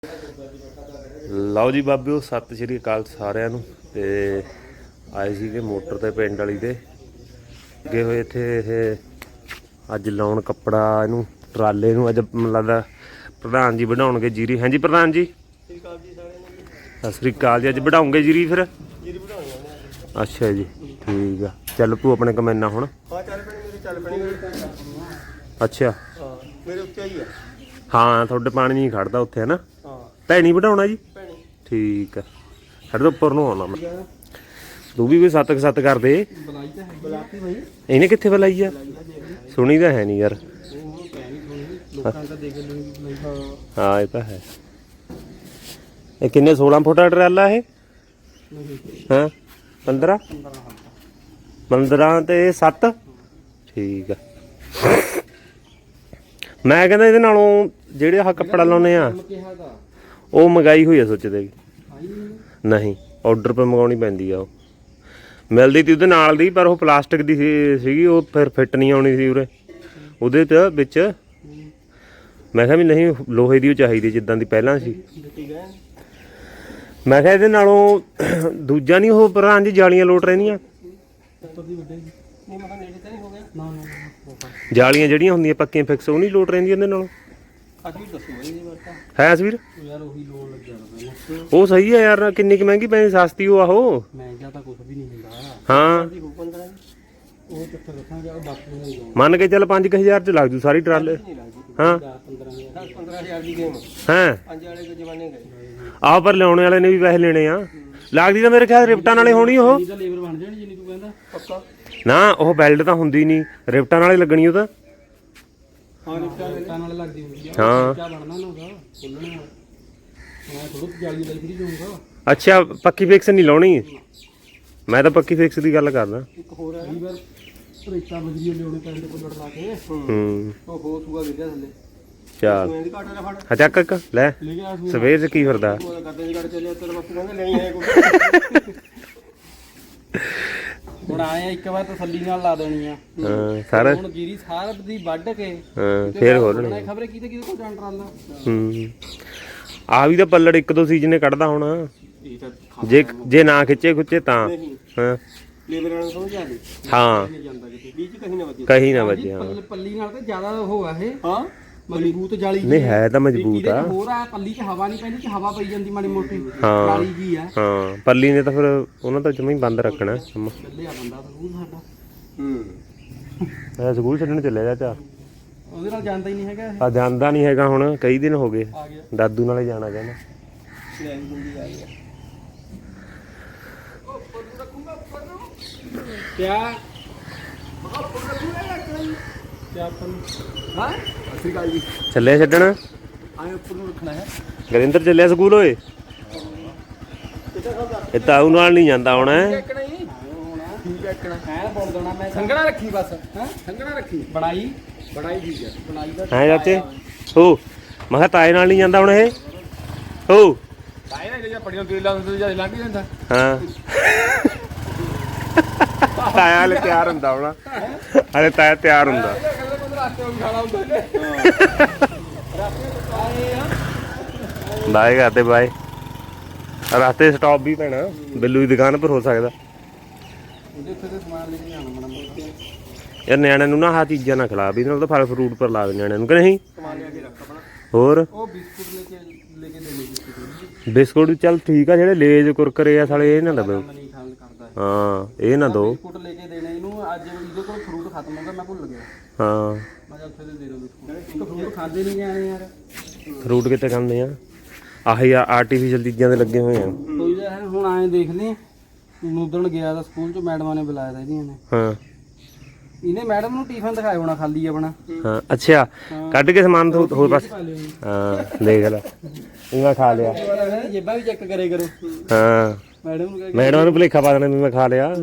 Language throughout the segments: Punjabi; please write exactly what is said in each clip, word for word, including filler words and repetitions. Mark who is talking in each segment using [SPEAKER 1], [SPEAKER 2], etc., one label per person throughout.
[SPEAKER 1] ਲਓ ਜੀ ਬਾਬਿਓ, ਸਤਿ ਸ਼੍ਰੀ ਅਕਾਲ ਸਾਰਿਆਂ ਨੂੰ। ਤੇ ਆਏ ਸੀਗੇ ਮੋਟਰ ਤੇ ਪਿੰਡ ਵਾਲੀ ਦੇ ਅੱਗੇ ਹੋਏ ਇੱਥੇ ਇਹ ਅੱਜ ਲਾਉਣ ਕੱਪੜਾ ਇਹਨੂੰ ਟਰਾਲੇ ਨੂੰ। ਅੱਜ ਮੈਨੂੰ ਲੱਗਦਾ ਪ੍ਰਧਾਨ ਜੀ ਵਧਾਉਣਗੇ ਜੀਰੀ। ਹਾਂਜੀ ਪ੍ਰਧਾਨ ਜੀ, ਸਤਿ ਸ਼੍ਰੀ ਅਕਾਲ ਜੀ। ਅੱਜ ਵਧਾਉਂਗੇ ਜੀਰੀ ਫਿਰ? ਅੱਛਾ ਜੀ, ਠੀਕ ਆ। ਚੱਲ ਤੂੰ ਆਪਣੇ ਕਮੈਨਾ ਹੁਣ। ਅੱਛਾ, ਹਾਂ ਤੁਹਾਡੇ ਪਾਣੀ ਨਹੀਂ ਖੜਦਾ ਉੱਥੇ ਹੈ ਨਾ? ਭੈਣੀ ਵਧਾਉਣਾ ਜੀ, ਠੀਕ ਆ। ਸਾਡੇ ਤੋਂ ਉੱਪਰ ਨੂੰ ਆਉਣਾ ਮੈਂ। ਤੂੰ ਵੀ ਕੋਈ ਸੱਤ ਸੱਤ ਕਰ ਦੇ। ਇਹਨੇ ਕਿੱਥੇ ਬੁਲਾਈ ਆ? ਸੁਣੀ ਤਾਂ ਹੈ ਨਹੀਂ ਯਾਰ। ਹਾਂ ਇਹ ਤਾਂ ਹੈ। ਇਹ ਕਿੰਨੇ ਸੋਲਾਂ ਫੁੱਟ ਦਾ ਟਰਾਲਾ ਇਹ? ਹਾਂ ਪੰਦਰਾਂ ਪੰਦਰਾਂ ਤੇ ਸੱਤ, ਠੀਕ ਆ। ਮੈਂ ਕਹਿੰਦਾ ਇਹਦੇ ਨਾਲੋਂ ਜਿਹੜੇ ਆਹ ਕੱਪੜਾ ਲਾਉਨੇ ਆ ਉਹ ਮੰਗਾਈ ਹੋਈ ਆ। ਸੋਚਦੇ ਨਹੀਂ, ਆਰਡਰ 'ਤੇ ਮੰਗਾਉਣੀ ਪੈਂਦੀ ਆ। ਉਹ ਮਿਲਦੀ ਤੀ ਉਹਦੇ ਨਾਲ ਦੀ, ਪਰ ਉਹ ਪਲਾਸਟਿਕ ਦੀ ਸੀ ਸੀਗੀ ਉਹ ਫਿਰ ਫਿੱਟ ਨਹੀਂ ਆਉਣੀ ਸੀ ਉਰੇ ਉਹਦੇ 'ਚ ਵਿੱਚ। ਮੈਂ ਕਿਹਾ ਵੀ ਨਹੀਂ, ਲੋਹੇ ਦੀ ਉਹ ਚਾਹੀਦੀ ਜਿੱਦਾਂ ਦੀ ਪਹਿਲਾਂ ਸੀ। ਮੈਂ ਕਿਹਾ ਇਹਦੇ ਨਾਲੋਂ ਦੂਜਾ ਨਹੀਂ ਉਹ ਪ੍ਰਧਾਨ ਜੀ ਜਾਲੀਆਂ ਲੋਟ ਰਹਿੰਦੀਆਂ, ਜਾਲੀਆਂ ਜਿਹੜੀਆਂ ਹੁੰਦੀਆਂ ਪੱਕੀਆਂ ਫਿਕਸ, ਉਹ ਨਹੀਂ ਲੋਟ ਰਹਿੰਦੀਆਂ ਇਹਦੇ ਨਾਲੋਂ। ਹੈ ਅਸਵੀਰ ਉਹ ਸਹੀ ਹੈ ਯਾਰ। ਕਿੰਨੀ ਕੁ ਮਹਿੰਗੀ ਪੈਂਦੀ? ਸਸਤੀ ਉਹ ਆਹੋ। ਹਾਂ ਮੰਨ ਕੇ ਚੱਲ ਪੰਜ ਕੁ ਹਜ਼ਾਰ ਚ ਲੱਗ ਜੂ ਸਾਰੀ ਟਰਾਲੇ। ਹਾਂ ਹੈਂ ਆਹ ਪਰ ਲਿਆਉਣੇ ਵਾਲੇ ਨੇ ਵੀ ਪੈਸੇ ਲੈਣੇ ਆ। ਲੱਗਦੀ ਤਾਂ ਮੇਰੇ ਖਿਆਲ ਰਿਪਟਾਂ ਨਾਲੇ ਹੋਣੀ ਉਹ ਨਾ। ਉਹ ਬੈਲਟ ਤਾਂ ਹੁੰਦੀ ਨਹੀਂ, ਰਿਪਟਾਂ ਨਾਲੇ ਲੱਗਣੀ ਉਹ ਤਾਂ। ਹਾਂ ਅੱਛਾ, ਪੱਕੀ ਫਿਕਸ ਨਹੀਂ ਲਾਉਣੀ। ਮੈਂ ਤਾਂ ਪੱਕੀ ਫਿਕਸ ਦੀ ਗੱਲ ਕਰਦਾ। ਹੂੰ ਚੱਲ ਚੱਕ ਇੱਕ ਲੈ। ਸਵੇਰ ਚ ਕੀ ਫਿਰਦਾ?
[SPEAKER 2] ਹੁਣ ਆਏ ਇੱਕ ਵਾਰ ਤਸੱਲੀ ਨਾਲ ਲਾ ਦੇਣੀ ਆ।
[SPEAKER 1] ਹਾਂ ਸਾਰਾ
[SPEAKER 2] ਹੁਣ ਜੀਰੀ ਸਾਰ ਦੀ ਵੱਢ ਕੇ
[SPEAKER 1] ਹਾਂ ਫੇਰ ਖੋਲਣੀ।
[SPEAKER 2] ਖਬਰੇ ਕਿਤੇ ਕਿਤੇ ਕੋਲ ਜਾਣ ਟਰਾਲਾ।
[SPEAKER 1] ਹੂੰ ਆ ਵੀ ਤਾਂ ਪੱਲੜ ਇੱਕ ਦੋ ਸੀਜ਼ਨੇ ਕੱਢਦਾ ਹੁਣ। ਜੇ ਜੇ ਨਾ ਖਿੱਚੇ ਖੁੱਚੇ ਤਾਂ ਹਾਂ ਹਾਂ ਕਹੀਂ ਨਾ ਵੱਜੇ। ਹਾਂ
[SPEAKER 2] ਪੱਲੀ ਨਾਲ ਤਾਂ ਜ਼ਿਆਦਾ ਉਹ ਆ ਇਹ। ਹਾਂ ਮਜ਼ਬੂਤ ਜਾਲੀ
[SPEAKER 1] ਨਹੀਂ ਹੈ ਤਾਂ ਮਜ਼ਬੂਤ ਆ।
[SPEAKER 2] ਹੋਰ ਆ ਪੱਲੀ 'ਚ ਹਵਾ ਨਹੀਂ ਪੈਂਦੀ, 'ਚ ਹਵਾ ਪਈ ਜਾਂਦੀ ਮਾੜੀ ਮੋਟੀ ਜਾਲੀ ਜੀ ਆ।
[SPEAKER 1] ਹਾਂ ਪੱਲੀ ਨੇ ਤਾਂ ਫਿਰ ਉਹਨਾਂ ਤਾਂ ਜਮਾਂ ਹੀ ਬੰਦ ਰੱਖਣਾ ਕੰਮ।
[SPEAKER 2] ਚੱਲਿਆ ਬੰਦਾ ਸਕੂਲ ਸਾਡਾ।
[SPEAKER 1] ਹੂੰ ਮੈਂ ਸਕੂਲ ਛੱਡਣ ਚੱਲਿਆ ਚਾਚਾ।
[SPEAKER 2] ਉਹਦੇ ਨਾਲ ਜਾਂਦਾ ਹੀ ਨਹੀਂ ਹੈਗਾ।
[SPEAKER 1] ਆ ਜਾਂਦਾ ਨਹੀਂ ਹੈਗਾ ਹੁਣ, ਕਈ ਦਿਨ ਹੋ ਗਏ। ਦਾਦੂ ਨਾਲੇ ਜਾਣਾ ਕਹਿੰਦਾ।
[SPEAKER 2] ਕਿਆ
[SPEAKER 1] ਚੱਲਿਆ ਛੱਡਣ? ਗਰਿੰਦਰ ਚੱਲਿਆ ਸਕੂਲ ਓਏ। ਇਹ ਤਾਊ ਨਾਲ ਨਹੀਂ ਜਾਂਦਾ ਹੁਣ।
[SPEAKER 2] ਸੰਘਣਾ ਰੱਖੀ ਬਸ, ਸੰਘਣਾ ਰੱਖੀ। ਬਣਾਈ ਬਣਾਈ ਠੀਕ ਹੈ। ਬਣਾਈ ਦਾ
[SPEAKER 1] ਹੈ ਚਾਚੇ ਹੋ। ਮੈਂ ਕਿਹਾ ਤਾਏ ਨਾਲ ਨਹੀਂ ਜਾਂਦਾ ਹੁਣ ਇਹ। ਹੋ
[SPEAKER 2] ਤਾਏ ਨਾਲ ਜਿਹੜਾ ਪੜੀਆਂ ਤੇਲ ਲਾਉਂਦੇ ਜਾਂ ਲੰਘ ਜਾਂਦਾ। ਹਾਂ
[SPEAKER 1] ਤਾਇਆ ਹਲੇ ਤਿਆਰ ਹੁੰਦਾ ਹੋਣਾ। ਹਲੇ ਤਾਇਆ ਤਿਆਰ ਹੁੰਦਾ। ਬਾਏ ਕਰਦੇ ਬਾਏ। ਰਸਤੇ ਸਟਾਪ ਵੀ ਪੈਣਾ, ਬਿੱਲੂ ਦੀ ਦੁਕਾਨ ਪਰ ਹੋ ਸਕਦਾ ਯਾਰ। ਨਿਆਣਿਆਂ ਨੂੰ ਨਾ ਆਹ ਚੀਜ਼ਾਂ ਨਾ ਖਿਲਾ ਵੀ, ਨਾਲ ਤਾਂ ਫਲ ਫਰੂਟ ਪਰ ਲਾ ਦੇ ਨਿਆਣਿਆਂ ਨੂੰ ਕਿ ਨਹੀਂ। ਹੋਰ ਬਿਸਕੁਟ ਚੱਲ ਠੀਕ ਆ। ਜਿਹੜੇ ਲੇਜ ਕੁਰਕਰੇ ਆ ਸਾਲੇ ਇਹ ਨਾ ਦਵੇ। ਹਾਂ ਇਹ ਨਾ ਦੋ।
[SPEAKER 2] ਬਿਸਕੁਟ ਲੈ ਕੇ ਦੇਣੇ ਇਹਨੂੰ। ਅੱਜ ਇਹਦੇ ਕੋਲ ਫਰੂਟ ਖਤਮ ਹੋ ਗਿਆ, ਮੈਂ ਭੁੱਲ ਗਿਆ।
[SPEAKER 1] ਹਾਂ
[SPEAKER 2] ਮੈਂ ਕਿਹਾ ਉੱਥੇ ਦੇ ਦੋ ਬਿਸਕੁਟ। ਫਰੂਟ ਖਾਂਦੇ ਨਹੀਂ ਜਾਣੇ ਯਾਰ।
[SPEAKER 1] ਫਰੂਟ ਕਿੱਥੇ ਖਾਂਦੇ ਆ? ਆਹੀ ਆਰਟੀਫਿਸ਼ਲ ਚੀਜ਼ਾਂ ਦੇ ਲੱਗੇ ਹੋਏ ਆ।
[SPEAKER 2] ਕੋਈ ਤਾਂ ਹੁਣ ਆਏ ਦੇਖਦੇ ਉਦਣ ਗਿਆ ਤਾਂ ਸਕੂਲ 'ਚ ਮੈਡਮਾਂ ਨੇ ਬੁਲਾਇਆ ਤਾਂ ਇਹਦੀਆਂ ਨੇ। ਹਾਂ ਇਹਨੇ ਮੈਡਮ ਨੂੰ ਟਿਫਨ ਦਿਖਾਇਆ ਹੋਣਾ ਖਾਲੀ ਆਪਣਾ। ਹਾਂ
[SPEAKER 1] ਅੱਛਾ ਕੱਢ ਕੇ ਸਮਾਨ ਹੋਰ ਪਾਸੇ। ਹਾਂ ਦੇਖ ਲੈ ਇਹਨਾਂ ਖਾ ਲਿਆ।
[SPEAKER 2] ਜੇਬਾਂ ਵੀ ਚੈੱਕ ਕਰੇ ਕਰੋ।
[SPEAKER 1] ਹਾਂ
[SPEAKER 2] ਮੈਡਮ ਨੂੰ
[SPEAKER 1] ਮੈਡਮ ਨੂੰ ਭੁਲੇਖਾ ਪਾ ਦੇਣਾ ਵੀ ਮੈਂ ਖਾ ਲਿਆ।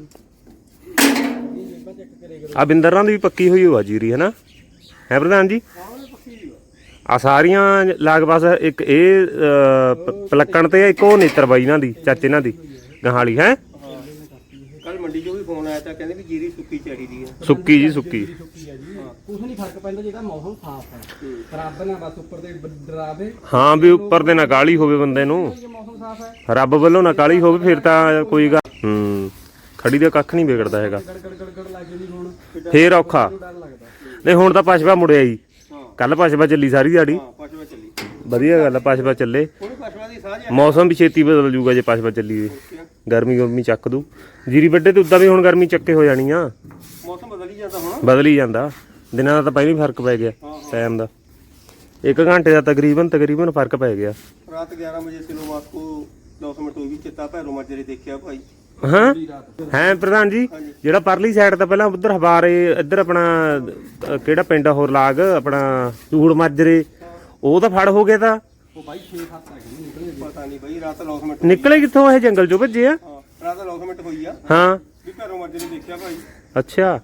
[SPEAKER 1] ਆ ਬਿੰਦਰਾਂ ਦੀ ਵੀ ਪੱਕੀ ਹੋਈ ਹੋਆ ਜੀਰੀ ਹੈ ਨਾ, ਹੈ ਪ੍ਰਧਾਨ ਜੀ? ਆ ਸਾਰੀਆਂ ਲਾਗ ਪਾਸ ਇੱਕ ਇਹ ਪਲੱਕਣ ਤੇ ਇੱਕ ਉਹ ਨੇਤਰ ਬਾਈ ਇਹਨਾਂ ਦੀ, ਚਾਚੇ ਇਹਨਾਂ ਦੀ ਗਹਾਲੀ ਹੈ।
[SPEAKER 2] ਕੱਲ ਮੰਡੀ 'ਚੋਂ ਵੀ ਫੋਨ ਆਇਆ ਤਾਂ ਕਹਿੰਦੇ ਵੀ ਜੀਰੀ ਸੁੱਕੀ ਚਾਹੀਦੀ ਹੈ।
[SPEAKER 1] ਸੁੱਕੀ ਜੀ ਸੁੱਕੀ।
[SPEAKER 2] ਕੁਛ ਨਹੀਂ ਫਰਕ ਪੈਂਦਾ ਜਿਹੜਾ ਮੌਸਮ ਸਾਫ਼ ਹੈ। ਰੱਬ ਨਾ ਬਸ ਉੱਪਰ ਤੇ ਡਰਾਵੇ,
[SPEAKER 1] ਹਾਂ ਵੀ ਉੱਪਰ ਦੇ ਨਾ ਕਾਲੀ ਹੋਵੇ ਬੰਦੇ ਨੂੰ,
[SPEAKER 2] ਜੇ ਮੌਸਮ ਸਾਫ਼ ਹੈ
[SPEAKER 1] ਰੱਬ ਵੱਲੋਂ ਨਾ ਕਾਲੀ ਹੋਵੇ ਫਿਰ ਤਾਂ ਕੋਈ ਗੱਲ। ਹੂੰ ਖੜੀ ਦਾ ਕੱਖ ਨਹੀਂ ਵਿਗੜਦਾ ਹੈਗਾ,
[SPEAKER 2] ਗੜ ਗੜ ਗੜ ਗੜ ਲੱਗ ਜਾਂਦੀ ਹੁਣ
[SPEAKER 1] ਫੇਰ ਔਖਾ।
[SPEAKER 2] ਡਰ ਲੱਗਦਾ।
[SPEAKER 1] ਨਹੀਂ ਹੁਣ ਤਾਂ ਪਸ਼ਵਾ ਮੁੜਿਆ ਜੀ, ਕੱਲ ਪਸ਼ਵਾ ਚੱਲੀ ਸਾਰੀ ਦਿਹਾੜੀ,
[SPEAKER 2] ਹਾਂ ਪਸ਼ਵਾ ਚੱਲੀ,
[SPEAKER 1] ਵਧੀਆ ਗੱਲ ਆ ਪਸ਼ਵਾ ਚੱਲੇ।
[SPEAKER 2] ਕੋਈ ਪਸ਼ਵਾ ਦੀ ਸਾਂਝ ਹੈ।
[SPEAKER 1] ਮੌਸਮ ਵੀ ਛੇਤੀ ਬਦਲ ਜੂਗਾ ਜੇ ਪਸ਼ਵਾ ਚੱਲੀ ਤੇ, ਗਰਮੀ ਗਰਮੀ ਚੱਕ ਦੂ ਜੀਰੀ ਵੱਡੇ ਤੇ ਉਦਾਂ ਵੀ ਹੁਣ ਗਰਮੀ ਚੱਕੇ ਹੋ ਜਾਣੀ ਆ,
[SPEAKER 2] ਮੌਸਮ ਬਦਲ ਹੀ ਜਾਂਦਾ ਹੁਣ,
[SPEAKER 1] ਬਦਲ ਹੀ ਜਾਂਦਾ। ਦਿਨਾਂ ਦਾ ਤਾਂ ਪਹਿਲਾਂ ਹੀ ਫਰਕ ਪੈ ਗਿਆ ਟਾਈਮ ਦਾ, ਇੱਕ ਘੰਟੇ ਦਾ ਤਕਰੀਬਨ ਤਕਰੀਬਨ ਫਰਕ ਪੈ ਗਿਆ।
[SPEAKER 2] ਰਾਤ ਗਿਆਰਾਂ ਵਜੇ ਸਿਨੋ ਮਾਸਕੋ ਦਸ ਮਿੰਟ ਹੋਈ ਵੀ ਚਿੱਤਾ ਭੈਰੋ ਮਾਜਰੇ ਦੇਖਿਆ ਭਾਈ।
[SPEAKER 1] ਹਾਂ ਹੈ ਪ੍ਰਧਾਨ ਜੀ, ਜਿਹੜਾ ਪਰਲੀ ਸਾਈਡ ਤਾਂ ਪਹਿਲਾਂ ਉਧਰ ਹਵਾਰੇ ਇੱਧਰ ਆਪਣਾ ਅਹ, ਕਿਹੜਾ ਪਿੰਡ ਆ ਹੋਰ ਲਾਗ ਆਪਣਾ ਚੂੜ ਮਾਜਰੇ, ਉਹ ਤਾਂ ਫੜ ਹੋ ਗਿਆ ਤਾਂ
[SPEAKER 2] ਉਹ ਬਾਈ ਛੇ ਸੱਤ ਆ ਗਏ ਨਿਕਲੇ, ਪਤਾ ਨਹੀਂ ਬਾਈ ਰਾਤ ਨੌ ਮਿੰਟ
[SPEAKER 1] ਨਿਕਲੇ ਕਿੱਥੋਂ ਇਹ ਜੰਗਲ ਚੋਂ ਭੱਜੇ ਆ।
[SPEAKER 2] ਹਾਂ ਰਾਤ ਨੌ ਮਿੰਟ ਹੋਈ ਆ
[SPEAKER 1] ਹਾਂ
[SPEAKER 2] ਵੀ ਭੈਰੋ ਮਾਜਰੇ ਦੇਖਿਆ ਭਾਈ।
[SPEAKER 1] ਅੱਛਾ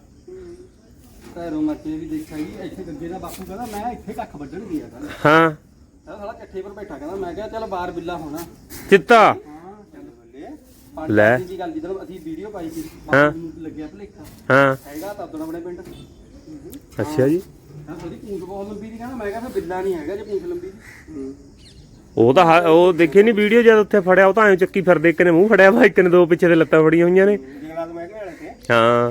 [SPEAKER 2] ਭੈਰੋ ਮਾਜਰੇ ਵੀ ਦੇਖਿਆ ਜੀ। ਇੱਥੇ ਗੱਗੇ ਦਾ ਬਾਪੂ ਕਹਿੰਦਾ ਮੈਂ ਇੱਥੇ ਕੱਖ ਵੱਢਣ ਗਿਆ ਕਹਿੰਦਾ,
[SPEAKER 1] ਹਾਂ
[SPEAKER 2] ਕਹਿੰਦਾ ਸਾਲਾ ਇਕੱਠੇ ਪਰ ਬੈਠਾ, ਕਹਿੰਦਾ ਮੈਂ ਕਿਹਾ ਚੱਲ ਬਾਹਰ ਬਿੱਲਾ ਹੋਣਾ।
[SPEAKER 1] ਚਿੱਤਾ
[SPEAKER 2] ਹਾਂ ਚੱਲ ਬੱਲੇ
[SPEAKER 1] ਲੈ।
[SPEAKER 2] ਦੀ ਗੱਲ ਜਦੋਂ ਅਸੀਂ ਵੀਡੀਓ ਪਾਈ ਸੀ
[SPEAKER 1] ਹਾਂ।
[SPEAKER 2] ਬਾਪੂ ਨੂੰ ਲੱਗਿਆ ਭਲੇਖਾ,
[SPEAKER 1] ਹਾਂ
[SPEAKER 2] ਹੈਗਾ ਤਾਂ ਉਦੋਂ ਆਪਣੇ ਪਿੰਡ।
[SPEAKER 1] ਅੱਛਾ ਜੀ,
[SPEAKER 2] ਹਾਂ ਉਹਦੀ ਪੂੰਛ ਬਹੁਤ ਲੰਬੀ ਦੀ, ਕਹਿੰਦਾ ਮੈਂ ਕਿਹਾ ਫਿਰ ਬਿੱਲਾ ਨਹੀਂ ਹੈਗਾ ਜੇ ਪੂੰਛ ਲੰਬੀ ਦੀ।
[SPEAKER 1] ਉਹ ਤਾਂ ਹ- ਉਹ ਦੇਖੇ ਨਹੀਂ ਵੀਡੀਓ ਜਦ ਉੱਥੇ ਫੜਿਆ, ਉਹ ਤਾਂ ਐਂ ਚੱਕੀ ਫਿਰਦੇ, ਇੱਕ ਨੇ ਮੂੰਹ ਫੜਿਆ ਵਾ, ਇੱਕ ਨੇ ਦੋ ਪਿੱਛੇ ਦੇ ਲੱਤਾਂ ਫੜੀਆਂ ਹੋਈਆਂ ਨੇ।
[SPEAKER 2] ਜੰਗਲਾਤ ਮੈਂ ਕਿਹਾ ਵਾਲੇ ਤੇ
[SPEAKER 1] ਹਾਂ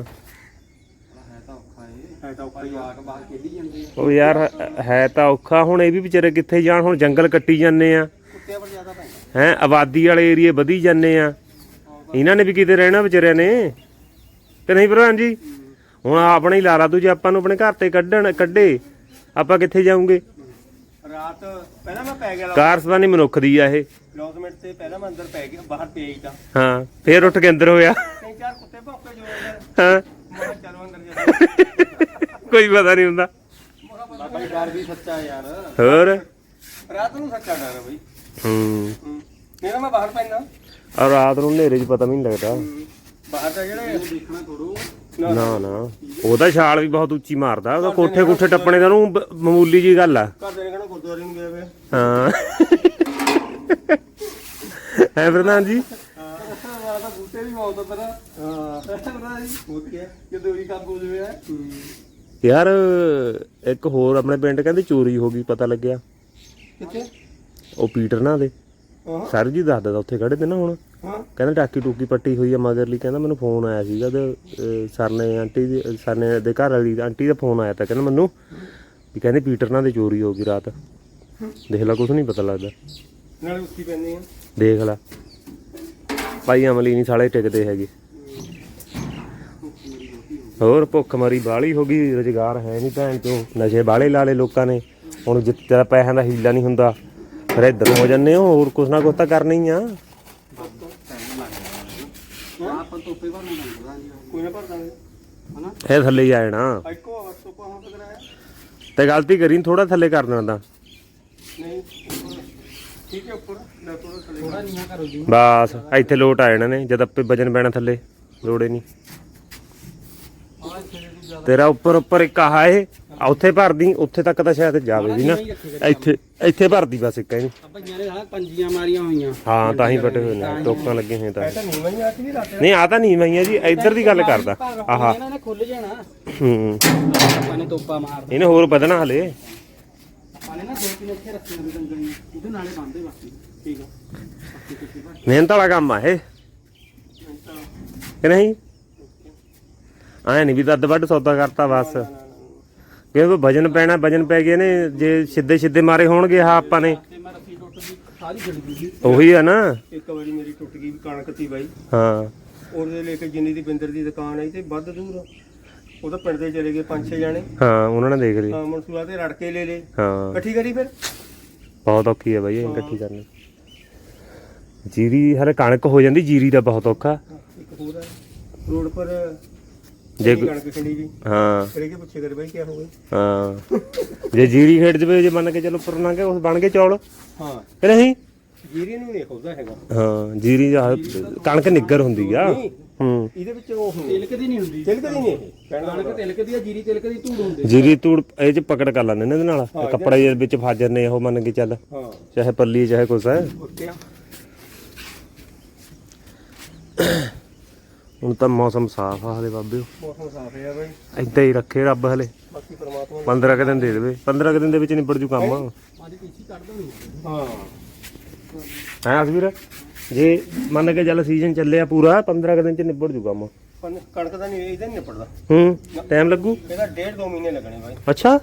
[SPEAKER 2] ਹੈ ਤਾਂ ਔਖਾ ਏ, ਹੈ ਤਾਂ ਔਖਾ ਹੀ ਆ ਕੇ ਬਾਹਰ ਖੇਡੀ ਜਾਂਦੇ ਆ।
[SPEAKER 1] ਉਹ ਯਾਰ ਹੈ ਤਾਂ ਔਖਾ, ਹੁਣ ਇਹ ਵੀ ਵਿਚਾਰੇ ਕਿੱਥੇ ਜਾਣ, ਹੁਣ ਜੰਗਲ ਕੱਟੀ ਜਾਂਦੇ ਆ
[SPEAKER 2] ਕੁੱਤਿਆਂ ਪਰ ਜ਼ਿਆਦਾ ਪੈਂਦਾ।
[SPEAKER 1] ਹੈ, ਆਬਾਦੀ ਵਾਲੇ ਏਰੀਏ ਵਧੀ ਜਾਂਦੇ ਆ, ਇਹਨਾਂ ਨੇ ਵੀ ਕਿਤੇ ਰਹਿਣਾ ਵਿਚਾਰਿਆਂ ਨੇ ਤੇ ਨਹੀਂ ਪ੍ਰਧਾਨ ਜੀ। ਹੁਣ ਆਪਣੇ ਹੀ ਲਾ ਲਾ ਤੂੰ, ਜੇ ਆਪਾਂ ਨੂੰ ਆਪਣੇ ਘਰ ਤੇ ਕੱਢਣ ਕੱਢੇ ਆਪਾਂ ਕਿੱਥੇ ਜਾਊਂਗੇ।
[SPEAKER 2] ਰਾਤ ਪਹਿਲਾਂ ਮੈਂ ਪੈ ਗਿਆ
[SPEAKER 1] ਕਾਰਸਬਾਨੀ ਮਨੁੱਖ ਦੀ ਆ ਇਹ।
[SPEAKER 2] ਦਸ ਮਿੰਟ ਤੇ ਪਹਿਲਾਂ ਮੈਂ ਅੰਦਰ ਪੈ ਗਿਆ, ਬਾਹਰ ਪਿਆ ਹੀ ਤਾਂ
[SPEAKER 1] ਹਾਂ ਫੇਰ ਉੱਠ ਕੇ ਅੰਦਰ ਹੋਇਆ।
[SPEAKER 2] ਤਿੰਨ ਚਾਰ ਕੁੱਤੇ ਭੌਂਕੇ ਜੋ ਅੰਦਰ,
[SPEAKER 1] ਹਾਂ
[SPEAKER 2] ਮੈਂ ਕਿਹਾ ਚਲੋ ਅੰਦਰ ਜਾ।
[SPEAKER 1] ਕੋਈ ਪਤਾ ਨਹੀਂ ਹੁੰਦਾ।
[SPEAKER 2] ਬਾਬਾ ਡਰ ਵੀ ਸੱਚਾ ਯਾਰ,
[SPEAKER 1] ਹੋਰ
[SPEAKER 2] ਰਾਤ ਨੂੰ ਸੱਚਾ ਡਰ ਹੈ ਬਈ।
[SPEAKER 1] ਹੂੰ
[SPEAKER 2] ਮੇਰਾ ਮੈਂ ਬਾਹਰ ਪੈਂਦਾ
[SPEAKER 1] ਔਰ ਰਾਤ ਨੂੰ ਹਨੇਰੇ 'ਚ ਪਤਾ ਵੀ ਨਹੀਂ ਲੱਗਦਾ।
[SPEAKER 2] ਬਾਹਰ ਤਾਂ ਜਿਹੜੇ ਦੇਖਣਾ ਥੋੜੋ
[SPEAKER 1] ਨਾ ਨਾ ਉਹਦਾ ਛਾਲ ਵੀ ਬਹੁਤ ਉੱਚੀ ਮਾਰਦਾ, ਉਹਦਾ ਕੋਠੇ ਕੋਠੇ ਟੱਪਣੇ ਦਾ ਉਹਨੂੰ ਬ- ਮਾਮੂਲੀ ਜੀ ਗੱਲ ਆ।
[SPEAKER 2] ਘਰ ਦੇ ਨੇ ਕਹਿਣਾ ਗੁਰਦੁਆਰੇ ਨੂੰ ਗਿਆ ਵੇ।
[SPEAKER 1] ਹਾਂ ਹੈ ਪ੍ਰਧਾਨ ਜੀ।
[SPEAKER 2] ਹਾਂ ਵਾਲਾ ਤਾਂ ਬੂਟੇ ਵੀ ਬਹੁਤ ਪਤਾ। ਹਾਂ ਪਤਾ ਜੀ ਹੋ ਗਿਆ ਕਿ ਦੋਰੀ ਕੰਮ ਹੋ ਜਵੇ।
[SPEAKER 1] ਯਾਰ ਇੱਕ ਹੋਰ ਆਪਣੇ ਪਿੰਡ ਕਹਿੰਦੇ ਚੋਰੀ ਹੋ ਗਈ, ਪਤਾ ਲੱਗਿਆ
[SPEAKER 2] ਕਿੱਥੇ?
[SPEAKER 1] ਉਹ ਪੀਟਰ ਨਾ ਦੇ
[SPEAKER 2] ਹਾਂ
[SPEAKER 1] ਸਰ ਜੀ ਦੱਸਦਾ ਉੱਥੇ ਖੜੇ ਤੇ ਨਾ ਹੁਣ,
[SPEAKER 2] ਹਾਂ
[SPEAKER 1] ਕਹਿੰਦਾ ਟਾਕੀ ਟੂਕੀ ਪੱਟੀ ਹੋਈ ਆ ਮਗਰਲੀ। ਕਹਿੰਦਾ ਮੈਨੂੰ ਫੋਨ ਆਇਆ ਸੀਗਾ ਤੇ ਸਰ ਨੇ ਆਂਟੀ ਦੀ ਸਰ ਨੇ ਦੇ ਘਰ ਵਾਲੀ ਆਂਟੀ ਦਾ ਫੋਨ ਆਇਆ ਤਾਂ ਕਹਿੰਦਾ ਮੈਨੂੰ ਵੀ ਕਹਿੰਦੇ ਪੀਟਰ ਨਾਲ ਦੇ ਚੋਰੀ ਹੋ ਗਈ ਰਾਤ। ਦੇਖ ਲਾ ਕੁਛ ਨਹੀਂ ਪਤਾ ਲੱਗਦਾ,
[SPEAKER 2] ਨਾਲੇ ਉੱਤੀ ਪੈਂਦੇ ਆ।
[SPEAKER 1] ਦੇਖ ਲਾ ਭਾਈ ਅਮਲੀ ਨਹੀਂ ਸਾਲੇ ਟਿਕਦੇ ਹੈਗੇ। ਹੋਰ ਭੁੱਖ ਮਰੀ ਬਾਹਲੀ ਹੋ ਗਈ, ਰੁਜ਼ਗਾਰ ਹੈ ਨਹੀਂ ਭੈਣ ਚੋਂ, ਨਸ਼ੇ ਬਾਹਲੇ ਲਾ ਲਏ ਲੋਕਾਂ ਨੇ। ਹੁਣ ਜਿੱਥੇ ਪੈਸਿਆਂ ਦਾ ਹੀਲਾ ਨਹੀਂ ਹੁੰਦਾ ਫਿਰ ਇੱਧਰ ਹੋ ਜਾਂਦੇ ਹੋ, ਹੋਰ ਕੁਛ ਨਾ ਕੁਛ ਤਾਂ ਕਰਨਾ ਹੀ ਆ।
[SPEAKER 2] ਆਪਾਂ ਤੋਪੇ ਭਰ ਨੂੰ ਲੰਘਦਾ ਜੀ, ਕੋਈ ਨਾ ਭਰ ਦਾਂਗੇ ਹਨਾ।
[SPEAKER 1] ਇਹ ਥੱਲੇ ਹੀ ਆ ਜਾਣਾ
[SPEAKER 2] ਇੱਕੋ ਤੋਪਾ ਹੁਣ ਤੱਕ ਕਰਾਇਆ
[SPEAKER 1] ਤੇ ਗਲਤੀ ਕਰੀ ਥੋੜਾ ਥੱਲੇ ਕਰ ਦੇਣਾ ਤਾਂ
[SPEAKER 2] ਨਹੀਂ ਉੱਪਰ ਠੀਕ ਹੈ, ਉੱਪਰ ਨਾ ਥੋੜਾ ਥੱਲੇ ਥੋੜਾ ਨੀਹਾਂ ਕਰੋ ਜੀ।
[SPEAKER 1] ਬਸ ਇੱਥੇ ਲੋਟ ਆ ਜਾਣਾ ਨੇ, ਜਦ ਆਪੇ ਵਜਨ ਪੈਣਾ ਥੱਲੇ ਲੋੜੇ ਨਹੀਂ।
[SPEAKER 2] ਆਹ ਇੱਥੇ ਦੀ ਜ਼ਿਆਦਾ
[SPEAKER 1] ਤੇਰਾ ਉੱਪਰ ਉੱਪਰ ਇੱਕ ਆਹ ਇਹ ਆ, ਉੱਥੇ ਭਰਦੀ, ਉੱਥੇ ਤੱਕ ਤਾਂ ਸ਼ਾਇਦ ਜਾਵੇ ਵੀ ਨਾ, ਇੱਥੇ ਇੱਥੇ ਭਰਦੀ ਬਸ ਇੱਕ ਇਹਨੂੰ।
[SPEAKER 2] ਭਈਆਂ ਨੇ ਹਾਂ ਪੰਜੀਆਂ ਮਾਰੀਆਂ ਹੋਈਆਂ।
[SPEAKER 1] ਹਾਂ ਤਾਂ ਹੀ ਵੱਡੇ ਹੋਏ ਨੇ, ਟੋਕਾਂ ਲੱਗੇ ਹੋਏ ਤਾਂ।
[SPEAKER 2] ਤਾਂ ਨਹੀਂ ਮੈਂ ਆਤੀ ਵੀ ਰਾਤ
[SPEAKER 1] ਨਹੀਂ ਆ ਤਾਂ ਨਹੀਂ ਮਈਆਂ ਜੀ, ਇੱਧਰ ਦੀ ਗੱਲ ਕਰਦਾ। ਆਹਾ
[SPEAKER 2] ਇਹਨਾਂ ਨੇ ਖੁੱਲ ਜਾਣਾ,
[SPEAKER 1] ਹੂੰ
[SPEAKER 2] ਆਪਾਂ ਨੇ ਤੋਪਾ ਮਾਰ
[SPEAKER 1] ਇਹਨੇ ਹੋਰ ਵਧਣਾ ਹਲੇ।
[SPEAKER 2] ਆਪਾਂ ਨੇ ਨਾ ਦੋ ਤਿੰਨ ਇੱਥੇ ਰੱਖੀਆਂ ਵੀ ਡੰਗਰੀਆਂ, ਉਹਦੇ ਨਾਲੇ ਬੰਨਦੇ ਬਾਕੀ ਠੀਕ ਆ। ਬਾਕੀ ਕੁਛ ਨਹੀਂ
[SPEAKER 1] ਮਿਹਨਤ ਵਾਲਾ ਕੰਮ ਆ ਇਹ ਕਿ ਨਹੀਂ। ਐ ਨਹੀਂ ਵੀ ਦੱਦ ਵੱਢ ਸੌਦਾ ਕਰਤਾ ਬਸ, ਕਿਉਂਕਿ ਵਜਨ ਪੈਣਾ, ਵਜਨ ਪੈ ਗਏ ਨੇ ਜੇ ਸਿੱਧੇ ਸਿੱਧੇ ਮਾਰੇ ਹੋਣਗੇ ਆਹ ਆਪਾਂ ਨੇ।
[SPEAKER 2] ਤੇ ਮੈਂ ਰੱਸੀ ਟੁੱਟ ਗਈ ਸਾਰੀ ਛਿੜ ਗਈ।
[SPEAKER 1] ਉਹੀ ਆ ਨਾ।
[SPEAKER 2] ਇੱਕ ਵਾਰੀ ਮੇਰੀ ਟੁੱਟ ਗਈ ਕਣਕ ਤੀ ਬਾਈ,
[SPEAKER 1] ਹਾਂ
[SPEAKER 2] ਉਹਦੇ ਲੈ ਕੇ ਜਿੰਨੀ ਦੀ ਬਿੰਦਰ ਦੀ ਦੁਕਾਨ ਆਈ ਤੇ ਵੱਧ ਦੂਰ ਉਹਦਾ ਪਿੰਡ ਦੇ ਚਲੇ ਗਏ ਪੰਜ ਛੇ ਜਾਣੇ।
[SPEAKER 1] ਹਾਂ ਉਹਨਾਂ ਨੇ ਦੇਖ ਲਈ।
[SPEAKER 2] ਹਾਂ ਮਨਸੂਰਾ ਤੇ ਰੜ ਕੇ ਲੈ ਲੇ,
[SPEAKER 1] ਹਾਂ
[SPEAKER 2] ਇਕੱਠੀ ਕਰੀ ਫਿਰ।
[SPEAKER 1] ਬਹੁਤ ਔਖੀ ਹੈ ਬਾਈ ਇਹ ਇਕੱਠੀ ਕਰਨੀ। ਜੀਰੀ ਹਰੇ ਕਣਕ ਹੋ ਜਾਂਦੀ, ਜੀਰੀ ਦਾ ਬਹੁਤ ਔਖਾ।
[SPEAKER 2] ਇੱਕ ਹੋਰ ਹੈ ਰੋਡ ਪਰ
[SPEAKER 1] ਜੇ
[SPEAKER 2] ਕਣਕ ਖੰਡੀ ਜੀ,
[SPEAKER 1] ਹਾਂ
[SPEAKER 2] ਕਰੇ ਕੇ ਪੁੱਛੇ ਕਰ ਬਾਈ ਕੀ ਹੋ ਗਿਆ।
[SPEAKER 1] ਹਾਂ ਜੇ ਜੀਰੀ ਖੇਡ ਜਵੇ, ਜੇ ਮੰਨ ਕੇ ਚਲੋ ਉੱਪਰ ਨਾ ਕੇ ਉਸ ਬਣ ਗਏ ਚੌਲ
[SPEAKER 2] ਹਾਂ
[SPEAKER 1] ਕਿ ਨਹੀਂ।
[SPEAKER 2] ਜੀਰੀ ਨੂੰ ਨਹੀਂ ਖੁੱਲਦਾ ਹੈਗਾ।
[SPEAKER 1] ਹਾਂ ਜੀਰੀ ਦਾ ਕਣਕ ਨਿੱਗਰ ਹੁੰਦੀ ਆ। ਹੂੰ
[SPEAKER 2] ਇਹਦੇ ਵਿੱਚ ਉਹ ਤਿਲਕਦੀ ਨਹੀਂ ਹੁੰਦੀ, ਤਿਲਕਦੀ ਨਹੀਂ ਇਹ ਕਣਕ ਤਿਲਕਦੀ ਆ, ਜੀਰੀ ਤਿਲਕਦੀ ਧੂੜ ਹੁੰਦੀ।
[SPEAKER 1] ਜੀਰੀ ਤੂੜ ਇਹ ਚ ਪਕੜ ਕਰ ਲੈਂਦੇ ਨੇ ਇਹਦੇ ਨਾਲ, ਕੱਪੜਾ ਜਿਹੇ ਵਿੱਚ ਫਾਜਰ ਨੇ ਉਹ ਮੰਨ ਕੇ ਚੱਲ,
[SPEAKER 2] ਹਾਂ
[SPEAKER 1] ਚਾਹੇ ਪੱਲੀ ਚਾਹੇ ਕੁਛ ਹੈ। ਹੁਣ ਤਾਂ ਮੌਸਮ ਸਾਫ ਆ ਹਲੇ ਬਾਬੇ।
[SPEAKER 2] ਮੌਸਮ ਸਾਫ ਹੈ ਬਾਈ,
[SPEAKER 1] ਏਦਾਂ ਹੀ ਰੱਖੇ ਰੱਬ ਹਲੇ।
[SPEAKER 2] ਬਾਕੀ ਪਰਮਾਤਮਾ
[SPEAKER 1] ਪੰਦਰਾਂ ਕੁ ਦਿਨ ਦੇ ਦੇਵੇ, ਪੰਦਰਾਂ ਕੁ ਦਿਨ ਦੇ ਵਿੱਚ ਨਿਬੜ ਜੂ ਕੰਮ।
[SPEAKER 2] ਅੱਜ ਪੀਸੀ ਕੱਢ ਦੋ। ਹਾਂ
[SPEAKER 1] ਹੈ ਅਸਵੀਰ, ਜੇ ਮੰਨ ਕੇ ਚੱਲ ਸੀਜ਼ਨ ਚੱਲਿਆ ਪੂਰਾ, ਪੰਦਰਾਂ ਕੁ ਦਿਨ ਚ ਨਿਬੜ ਜੂ ਕੰਮ।
[SPEAKER 2] ਕਣਕ ਦਾ ਨਹੀਂ ਇਹਦਾ ਨਹੀਂ ਨਿਪੜਦਾ।
[SPEAKER 1] ਹੂੰ ਟਾਈਮ ਲੱਗੂ।
[SPEAKER 2] ਇਹਦਾ ਡੇਢ ਦੋ ਮਹੀਨੇ ਲੱਗਣੇ ਬਾਈ।
[SPEAKER 1] ਅੱਛਾ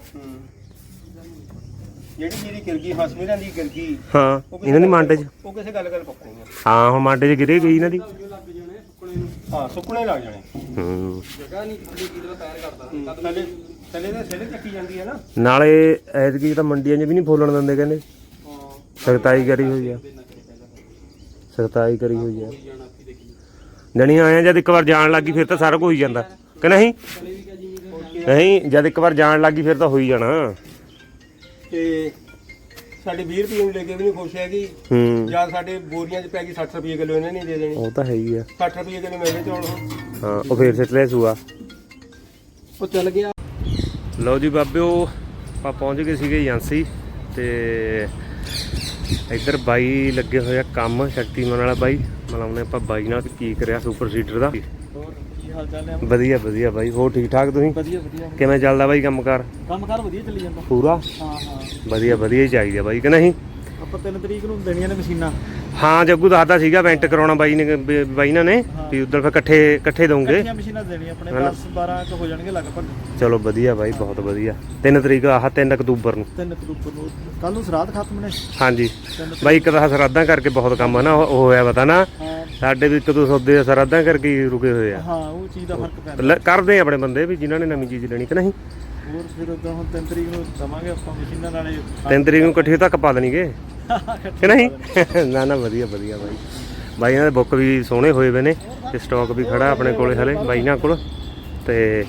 [SPEAKER 2] ਜਿਹੜੀ ਜਿਹੜੀ ਗਿਰਗੀ ਹਸਮੀਰਾਂ ਦੀ ਗਿਰਗੀ,
[SPEAKER 1] ਹਾਂ ਇਹਨਾਂ ਦੀ ਮੰਡ ਚ
[SPEAKER 2] ਉਹ ਕਿਸੇ ਗੱਲ ਗੱਲ ਪੱਕਣੀ ਆ।
[SPEAKER 1] ਹਾਂ ਹੁਣ ਮੰਡ ਚ ਗਿਰੇ ਗਈ ਇਹਨਾਂ ਦੀ।
[SPEAKER 2] ਹਾਂ ਸੁੱਕਣੇ ਲੱਗ ਜਾਣੇ।
[SPEAKER 1] ਹੂੰ
[SPEAKER 2] ਜਗ੍ਹਾ ਨਹੀਂ ਕੀ ਦਾ ਪੈਰ ਕਰਦਾ ਥੱਲੇ ਥੱਲੇ ਦੇ ਸਿਰੇ ਚੱਕੀ ਜਾਂਦੀ ਹੈ ਨਾ।
[SPEAKER 1] ਨਾਲੇ ਐਤਕੀ ਤਾਂ ਮੰਡੀਆਂ 'ਚ ਵੀ ਨਹੀਂ ਫੋਲਣ ਦਿੰਦੇ ਕਹਿੰਦੇ।
[SPEAKER 2] ਹਾਂ
[SPEAKER 1] ਸਖਤਾਈ ਕਰੀ ਹੋਈ ਆ, ਸਖਤਾਈ ਕਰੀ ਹੋਈ ਆ। ਜਣੀ ਆਏ ਜਦ ਇੱਕ ਵਾਰ ਜਾਣ ਲੱਗੀ ਫਿਰ ਤਾਂ ਸਾਰਾ ਕੁਝ ਹੋ ਹੀ ਜਾਂਦਾ ਕਿ ਨਹੀਂ। ਨਹੀਂ ਜਦ ਇੱਕ ਵਾਰ ਜਾਣ ਲੱਗੀ ਫਿਰ ਤਾਂ ਹੋ ਹੀ ਜਾਣਾ।
[SPEAKER 2] ਤੇ ਸਾਡੇ ਵੀਹ ਰੁਪਏ ਨੂੰ ਲੈ ਕੇ ਵੀ ਨਹੀਂ ਖੁਸ਼ ਹੈਗੀ।
[SPEAKER 1] ਹੂੰ
[SPEAKER 2] ਜਾਂ ਸਾਡੇ ਬੋਰੀਆਂ 'ਚ ਪੈ ਗਈ ਸੱਠ ਰੁਪਏ ਕਿਲੋ, ਇਹਨੇ ਨਹੀਂ ਦੇ ਦੇਣੀ।
[SPEAKER 1] ਉਹ ਤਾਂ ਹੈ ਹੀ ਆ।
[SPEAKER 2] ਸੱਠ ਰੁਪਏ ਕਿਲੋ ਮੇਰੇ ਚੌਲ ਹੁਣ।
[SPEAKER 1] ਹਾਂ ਉਹ ਫੇਰ ਸਿੱਟ ਲਿਆ ਸੂਆ।
[SPEAKER 2] ਉਹ ਚੱਲ ਗਿਆ।
[SPEAKER 1] ਲਓ ਜੀ ਬਾਬਿਓ, ਆਪਾਂ ਪਹੁੰਚ ਗਏ ਸੀਗੇ ਏਜੰਸੀ ਤੇ ਇੱਧਰ ਬਾਈ ਲੱਗੇ ਹੋਏ ਆ ਕੰਮ, ਸ਼ਕਤੀਮਾਨ ਵਾਲਾ ਬਾਈ। ਮਲਾਉਣੇ ਆਪਾਂ ਬਾਈ ਨਾਲ ਕੀ ਕਰਿਆ ਸੁਪਰ ਸੀਡਰ ਦਾ।
[SPEAKER 2] ਹੋਰ ਕੀ ਹਾਲ ਚਾਲ ਹੈ?
[SPEAKER 1] ਵਧੀਆ ਵਧੀਆ ਬਾਈ, ਹੋਰ ਠੀਕ ਠਾਕ ਤੁਸੀਂ?
[SPEAKER 2] ਵਧੀਆ ਵਧੀਆ।
[SPEAKER 1] ਕਿਵੇਂ ਚੱਲਦਾ ਬਾਈ ਕੰਮਕਾਰ?
[SPEAKER 2] ਕੰਮਕਾਰ ਵਧੀਆ ਚੱਲੀ ਜਾਂਦਾ
[SPEAKER 1] ਪੂਰਾ?
[SPEAKER 2] ਹਾਂ ਹਾਂ
[SPEAKER 1] ਵਧੀਆ ਵਧੀਆ ਹੀ ਚਾਹੀਦਾ ਬਾਈ ਕਿ ਨਹੀਂ।
[SPEAKER 2] ਆਪਾਂ ਤਿੰਨ ਤਰੀਕ ਨੂੰ ਦੇਣੀਆਂ ਨੇ ਮਸ਼ੀਨਾਂ।
[SPEAKER 1] ਹਾਂ ਜੱਗੂ ਦੱਸਦਾ ਸੀਗਾ ਵੈਂਟ ਕਰਾਉਣਾ ਬਾਈ ਨੇ, ਬ- ਬਾਈ ਨਾਲ ਨੇ ਵੀ ਉਧਰ ਫਿਰ ਇਕੱਠੇ ਇਕੱਠੇ ਦਊਂਗੇ।
[SPEAKER 2] ਇਕੱਠੀਆਂ ਮਸ਼ੀਨਾਂ ਦੇਣੀਆਂ ਆਪਣੇ ਦਸ ਬਾਰਾਂ ਕੁ ਹੋ ਜਾਣਗੇ ਲਗਭਗ।
[SPEAKER 1] ਚਲੋ ਵਧੀਆ ਬਾਈ, ਬਹੁਤ ਵਧੀਆ। ਤਿੰਨ ਤਰੀਕ ਆਹ ਤਿੰਨ ਅਕਤੂਬਰ ਨੂੰ।
[SPEAKER 2] ਤਿੰਨ ਅਕਤੂਬਰ ਨੂੰ ਕੱਲ ਨੂੰ ਸਰਾਧ ਖਤਮ ਨੇ।
[SPEAKER 1] ਹਾਂਜੀ ਬਾਈ, ਇੱਕ ਤਾਂ ਸਰਾਧਾਂ ਕਰਕੇ ਬਹੁਤ ਕੰਮ ਆ ਨਾ ਉਹ ਹੋਇਆ ਪਤਾ ਨਾ।
[SPEAKER 2] ਹਾਂ
[SPEAKER 1] ਸਾਡੇ ਵੀ ਇੱਕ ਦੋ ਸੌਦੇ ਸਰਾਧਾਂ ਕਰਕੇ ਹੀ ਰੁਕੇ ਹੋਏ ਆ।
[SPEAKER 2] ਹਾਂ ਉਹ ਚੀਜ਼ ਦਾ ਫਰਕ ਪੈਂਦਾ।
[SPEAKER 1] ਲੈ- ਕਰਦੇ ਆ ਆਪਣੇ ਬੰਦੇ ਵੀ ਜਿਨ੍ਹਾਂ ਨੇ ਨਵੀਂ ਚੀਜ਼ ਲੈਣੀ ਕਿ ਨਹੀਂ।
[SPEAKER 2] ਹੋਰ ਫਿਰ ਉਦੋਂ ਹੁਣ ਤਿੰਨ ਤਰੀਕ ਨੂੰ ਦਵਾਂਗੇ ਆਪਾਂ ਮਸ਼ੀਨਾਂ ਨਾਲੇ।
[SPEAKER 1] ਤਿੰਨ ਤਰੀਕ ਨੂੰ ਇਕੱਠੇ ਤੱਕ ਪਾ ਦੇਣਗੇ ਕਿ ਨਹੀਂ। ਨਾ ਨਾ ਵਧੀਆ ਵਧੀਆ ਬਾਈ। ਬਾਈ ਇਹਨਾਂ ਦੇ ਬੁੱਕ ਵੀ ਸੋਹਣੇ ਹੋਏ ਵੇ ਨੇ ਤੇ ਸਟਾਕ ਵੀ ਖੜਾ ਆਪਣੇ ਕੋਲੇ ਹਲੇ ਬਾਈ ਨਾਲ ਕੋਲ। ਤੇ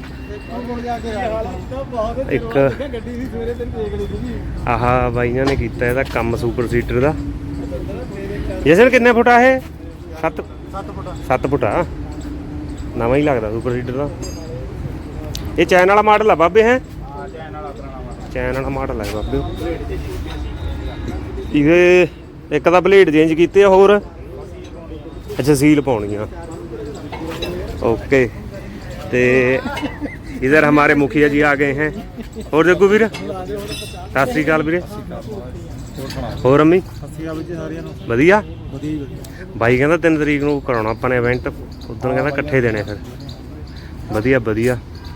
[SPEAKER 1] ਇੱਕ
[SPEAKER 2] ਗੱਡੀ ਦੀ ਸਵੇਰੇ ਤੈਨੂੰ ਦੇਖ ਲਈ ਸੀ।
[SPEAKER 1] ਆਹ ਬਾਈਆਂ ਨੇ ਕੀਤਾ ਇਹਦਾ ਕੰਮ ਸੁਪਰ ਸੀਟਰ ਦਾ। ਜਸਨ ਕਿੰਨੇ ਫੁੱਟ ਆ ਇਹ? ਸੱਤ
[SPEAKER 2] ਸੱਤ ਫੁੱਟ
[SPEAKER 1] ਸੱਤ ਫੁੱਟ ਆ। ਨਵਾਂ ਹੀ ਲੱਗਦਾ ਸੁਪਰ ਸੀਟਰ ਦਾ। ਇਹ ਚੈਨ ਵਾਲਾ ਮਾਡਲ ਆ ਬਾਬੇ। ਹੈ
[SPEAKER 2] ਹਾਂ ਚੈਨ ਵਾਲਾ ਪੁਰਾਣਾ
[SPEAKER 1] ਚੈਨ ਵਾਲਾ ਮਾਡਲ ਹੈ ਬਾਬੇ। ਇਹਦੇ ਇੱਕ ਤਾਂ ਬਲੇਡ ਚੇਂਜ ਕੀਤੇ ਆ ਹੋਰ। ਅੱਛਾ ਸੀਲ ਪਾਉਣੀ ਆ। ਓਕੇ ਤੇ इधर हमारे मुखिया जी आ गए हैं। और जग्गू वीर सत श्री अकाल वीरे। ਹੋਰ ਅੰਮੀ ਵਧੀਆ। ਬਾਈ ਕਹਿੰਦਾ ਤਿੰਨ ਤਰੀਕ ਨੂੰ ਕਰਾਉਣਾ ਆਪਾਂ ਨੇ ਇਵੈਂਟ, ਉਦੋਂ ਕਹਿੰਦਾ ਇਕੱਠੇ ਦੇਣੇ ਫਿਰ। ਵਧੀਆ ਵਧੀਆ।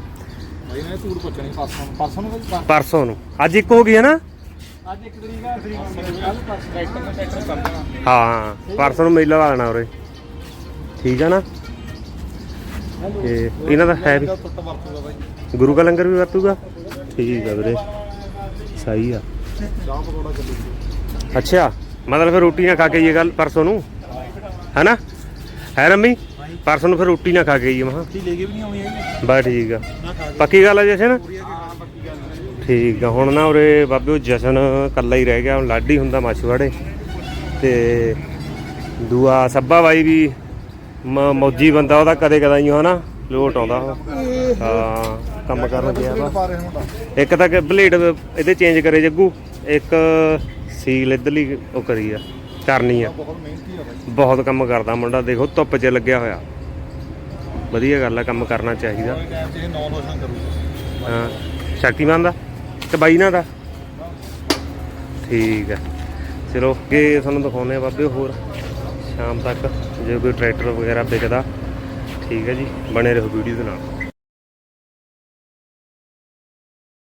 [SPEAKER 1] ਪਰਸੋਂ ਨੂੰ ਅੱਜ ਇੱਕ ਹੋ ਗਈ ਹੈ ਨਾ।
[SPEAKER 2] ਅੱਜ ਇੱਕ ਤਰੀਕ ਆ। ਕੱਲ
[SPEAKER 1] ਹਾਂ ਪਰਸੋਂ ਨੂੰ ਮੇਲਾ ਲਾ ਲੈਣਾ ਉਰੇ, ਠੀਕ ਆ ਨਾ। ਤੇ ਇਹਨਾਂ ਦਾ ਹੈ ਵੀ ਗੁਰੂ ਕਾ ਲੰਗਰ ਵੀ ਵਰਤੂਗਾ। ਠੀਕ ਆ ਵੀਰੇ, ਸਹੀ ਆ। ਅੱਛਾ ਮਤਲਬ ਫਿਰ ਰੋਟੀ ਨਾ ਖਾ ਕੇ ਇਹ ਗੱਲ ਪਰਸੋਂ ਨੂੰ ਹੈ ਨਾ। ਹੈ ਰੰਮੀ ਪਰਸੋਂ ਨੂੰ ਫਿਰ ਰੋਟੀ ਨਾ ਖਾ ਕੇ ਆਈਏ। ਮੈਂ
[SPEAKER 2] ਲੈ ਕੇ ਵੀ ਨਹੀਂ ਆਉਣੀ ਹੈਗੀ।
[SPEAKER 1] ਬਸ ਠੀਕ ਆ, ਪੱਕੀ ਗੱਲ ਆ ਜਸ਼ਨ। ਠੀਕ ਆ। ਹੁਣ ਨਾ ਉਰੇ ਬਾਬੇ ਜਸ਼ਨ ਇਕੱਲਾ ਹੀ ਰਹਿ ਗਿਆ, ਹੁਣ ਲਾਡੀ ਹੁੰਦਾ ਮਾਛੀਵਾੜੇ ਤੇ ਦੂਆ ਸੱਬਾ ਬਾਈ ਵੀ ਮ ਮੌਜੀ ਬੰਦਾ, ਉਹਦਾ ਕਦੇ ਕਦਾਈ ਹੈ ਨਾ ਲੋਟ ਆਉਂਦਾ ਉਹ। ਹਾਂ ਕੰਮ ਕਰਨ ਗਿਆ ਵਾ। ਇੱਕ ਤਾਂ ਬਲੇਡ ਇਹਦੇ ਚੇਂਜ ਕਰੇ ਜੱਗੂ, ਇੱਕ ਸੀਲ ਇੱਧਰਲੀ ਉਹ ਕਰੀ ਆ ਕਰਨੀ ਆ। ਬਹੁਤ ਕੰਮ ਕਰਦਾ ਮੁੰਡਾ, ਦੇਖੋ ਧੁੱਪ 'ਚ ਲੱਗਿਆ ਹੋਇਆ। ਵਧੀਆ ਗੱਲ ਆ, ਕੰਮ ਕਰਨਾ ਚਾਹੀਦਾ। ਹਾਂ ਸ਼ਕਤੀਮਾਨ ਦਾ ਤੇ ਬਾਈ ਨਾਲ ਦਾ ਠੀਕ ਆ। ਚਲੋ ਅੱਗੇ ਤੁਹਾਨੂੰ ਦਿਖਾਉਂਦੇ ਆ ਬਾਬੇ ਹੋਰ ਸ਼ਾਮ ਤੱਕ ਜੇ ਕੋਈ ਟਰੈਕਟਰ ਵਗੈਰਾ ਵਿਕਦਾ। ਠੀਕ ਹੈ ਜੀ, ਬਣੇ ਰਹੋ ਵੀਡੀਓ ਦੇ ਨਾਲ।